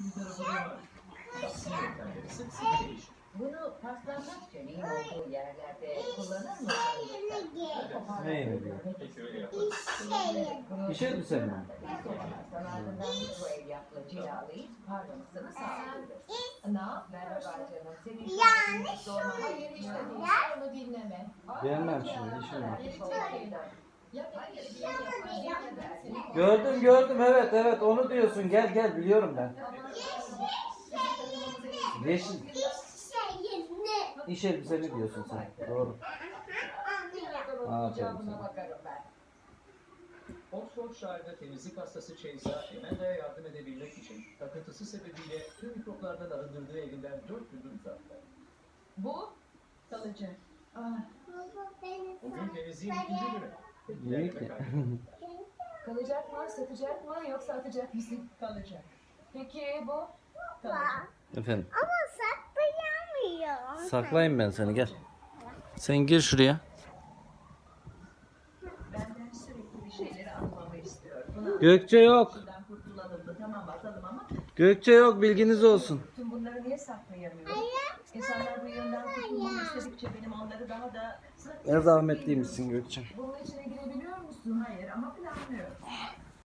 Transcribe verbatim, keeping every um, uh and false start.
Bunu paslanmak için iyi olduğu yerlerde kullanır mısın? Neyini diyor? İş elbise mi? Ardından bu ev yaklaşık harcamasını sağlıyoruz. Ne yap? Merhaba canım. Senin Yanlış sorman söylüyor. işte değil. Onu dinleme. Gelmem şimdi, işim var. Hayır. Gördüm gördüm, evet evet onu diyorsun, gel gel biliyorum ben. Yeşil. İş elbiseni diyorsun sen, doğru. Aferin Cevabına sana. bakarım ben. Oxfordshire'da temizlik hastası Chase'a Amanda'ya yardım edebilmek için takıntısı sebebiyle tüm mikroplardan arındırdığı evinden dört gündür uzattı. Bu kalıcı. Ah, Bugün temizliğin ikinci günü. İyi ki. kalacak mı, satacak mı yoksa atacak mısın? Kalacak. Peki bu? Kalacak. Efendim, Ama saklayamıyorum. saklayayım ben seni, gel. Sen gir şuraya. Benden sürekli bir şeyleri almamı istiyor. Buna Gökçe yok. şundan kurtulalım da tamam atalım ama Gökçe yok, bilginiz olsun. tüm bunları niye saklayamıyorum? İnsanlar bu yönden kurtulmamı istedikçe benim onları daha da Ne zahmetliymişsin Gökçe. bunun içine girebiliyor musun? Hayır ama planlıyorum.